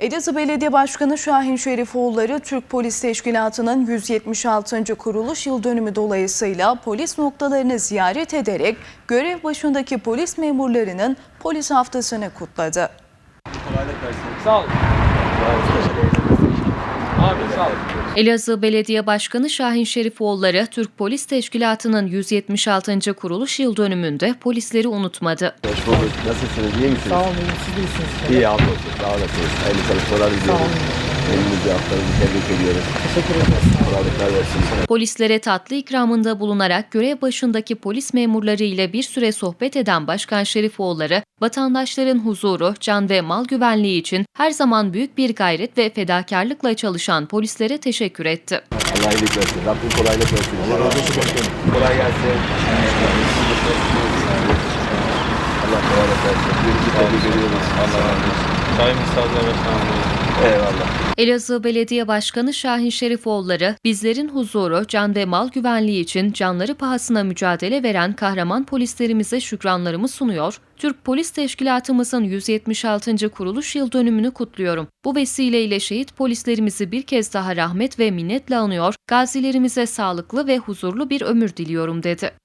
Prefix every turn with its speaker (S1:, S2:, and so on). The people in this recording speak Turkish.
S1: Elazığ Belediye Başkanı Şahin Şerifoğulları, Türk Polis Teşkilatı'nın 176. kuruluş yıl dönümü dolayısıyla polis noktalarını ziyaret ederek görev başındaki polis memurlarının polis haftasını kutladı.
S2: Sağ olun. Abi sağ olun.
S3: Elazığ Belediye Başkanı Şahin Şerifoğulları, Türk Polis Teşkilatı'nın 176. kuruluş yıl dönümünde polisleri unutmadı.
S4: Hoş bulduk. Nasılsınız? İyi misiniz?
S5: Sağ olun, siz de iyisiniz.
S4: İyi, hamdolsun. Sağ olasınız. Hayırlı çalışmalar diliyoruz. Elinizi haftanızı tebrik ediyoruz.
S5: Teşekkür ederiz.
S4: Kolaylıklar versin.
S3: Polislere tatlı ikramında bulunarak görev başındaki polis memurları ile bir süre sohbet eden Başkan Şerifoğulları, vatandaşların huzuru, can ve mal güvenliği için her zaman büyük bir gayret ve fedakarlıkla çalışan polislere teşekkür etti.
S4: Allah iyilik versin. Rabbim kolaylık versin. Allah razı olsun başkanım. Kolay gelsin. Allah kolaylık versin. Birinci tebrik ediyoruz.
S2: Allah razı olsun. Sayın Müstahlar Başkanım.
S4: Eyvallah.
S3: Elazığ Belediye Başkanı Şahin Şerifoğulları, bizlerin huzuru, can ve mal güvenliği için canları pahasına mücadele veren kahraman polislerimize şükranlarımı sunuyor, Türk Polis Teşkilatımızın 176. kuruluş yıl dönümünü kutluyorum. Bu vesileyle şehit polislerimizi bir kez daha rahmet ve minnetle anıyor, gazilerimize sağlıklı ve huzurlu bir ömür diliyorum dedi.